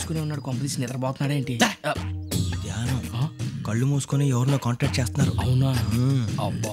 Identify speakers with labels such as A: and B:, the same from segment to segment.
A: మూసుకునే ఉన్నాడు, కొంపదీసి నిద్రపోతున్నాడు ఏంటి?
B: ధ్యానం. కళ్ళు మూసుకొని ఎవరినో కాంటాక్ట్ చేస్తున్నారు.
A: అవునా? అబ్బా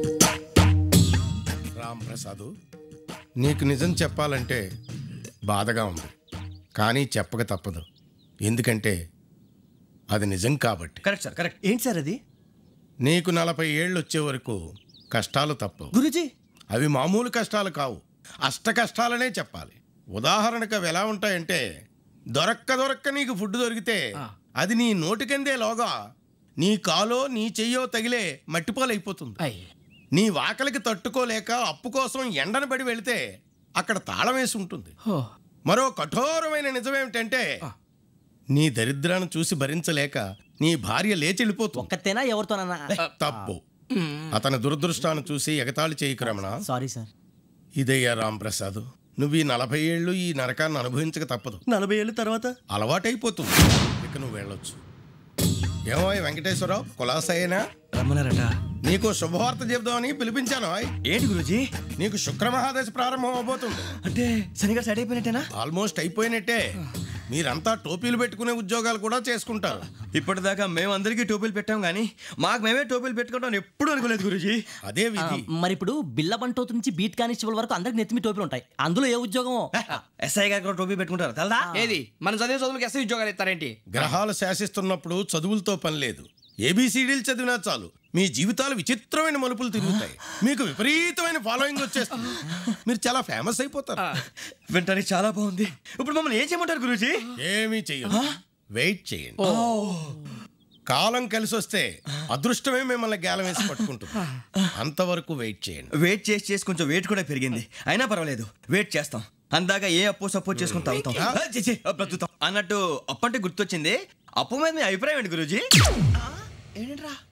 C: రామ్ ప్రసాద్, నీకు నిజం చెప్పాలంటే బాధగా ఉంది, కానీ చెప్పక తప్పదు. ఎందుకంటే అది నిజం కాబట్టి.
B: Correct sir, correct. ఏంటి సార్ అది?
C: నీకు 40 ఏళ్ళు వచ్చే వరకు కష్టాలు తప్పవు
B: గురూజీ.
C: అవి మామూలు కష్టాలు కావు, అష్ట కష్టాలనే చెప్పాలి. ఉదాహరణకు అవి ఎలా ఉంటాయంటే, దొరక్క నీకు ఫుడ్ దొరికితే అది నీ నోటికందే లోగా నీ కాలో నీ చెయ్యో తగిలే మట్టిపాలైపోతుంది. నీ వాకలికి తట్టుకోలేక అప్పు కోసం ఎండను పడి వెళితే అక్కడ తాళం వేసి ఉంటుంది. మరో కఠోరమైన నిజమేమిటంటే, నీ దరిద్రాన్ని చూసి భరించలేక నీ భార్య లేచి వెళ్ళిపోతుంది.
D: ఒక్కతేనా ఎవరితోనన్నా?
C: తప్పు. అతని దురదృష్టాన్ని చూసి ఎగతాళి చేయకు రమణ.
D: Sorry sir.
C: ఇదయ్యా రాంప్రసాద్, నువ్వు ఈ 40 ఏళ్ళు ఈ నరకాన్ని అనుభవించక తప్పదు.
B: 40 ఏళ్ళ తర్వాత
C: అలవాటైపోతుంది. ఇక నువ్వు వెళ్ళొచ్చు. ఏమో వెంకటేశ్వరరావు, కులాసైనా
B: రమ్మన్నారట.
C: నీకు శుభవార్త చెబుదామని పిలిపించాను.
B: ఏంటి గురూజీ?
C: నీకు శుక్రమహాదశ ప్రారంభం అవబోతుంది.
B: అంటే శనిగా సెట్ అయిపోయినట్టేనా?
C: ఆల్మోస్ట్ అయిపోయినట్టే. మీరంతా టోపీలు పెట్టుకునే ఉద్యోగాలు కూడా చేసుకుంటారు.
B: ఇప్పటిదాకా మేమందరికీ టోపీలు పెట్టాం కానీ మాకు మేమే టోపీలు పెట్టుకుంటాం ఎప్పుడు అనుకోలేదు గురూజీ.
C: అదే విధి.
D: మరి ఇప్పుడు బిల్ల బంటోతు నుంచి బీట్ కానిస్టేబుల్ వరకు అందరికి నెత్తిమి టోపీలు ఉంటాయి. అందులో ఏ ఉద్యోగం?
B: ఎస్ఐ గారు కూడా టోపీ పెట్టుకుంటారు తెలదా?
A: ఏది మన చదువులకు ఎస్ఐ ఉద్యోగాలు ఇస్తారేంటి?
C: గ్రహాలు శాసిస్తున్నప్పుడు చదువులతో పని లేదు. ఏబిసిడీలు చదివినా చాలు మీ జీవితాలు విచిత్రమైన మలుపులు తిరుగుతాయి. మీకు విపరీతమైన ఫాలోయింగ్ వచ్చేస్తుంది. మీరు చాలా ఫేమస్ అయిపోతారు.
B: వింటానికి చాలా బాగుంది. ఇప్పుడు మమ్మల్ని ఏం చేయమంటారు గురూజీ?
C: ఏమీ చెయ్యదు, వెయిట్ చేయండి. కాలం కలిసి వస్తే అదృష్టమే మిమ్మల్ని గేలం వేసి పట్టుకుంటుంది. అంతవరకు వెయిట్ చేయండి.
B: వెయిట్ చేసి కొంచెం వెయిట్ కూడా పెరిగింది. అయినా పర్వాలేదు, వెయిట్ చేస్తాం. అందాక ఏ అప్పు సపోర్ట్ చేసుకుని తాగుతాం, బ్రతుకుతాం అన్నట్టు. అప్పు అంటే గుర్తొచ్చింది. అప్పు మీద మీ అభిప్రాయం ఏంటి గురూజీ?
A: ఏంటరా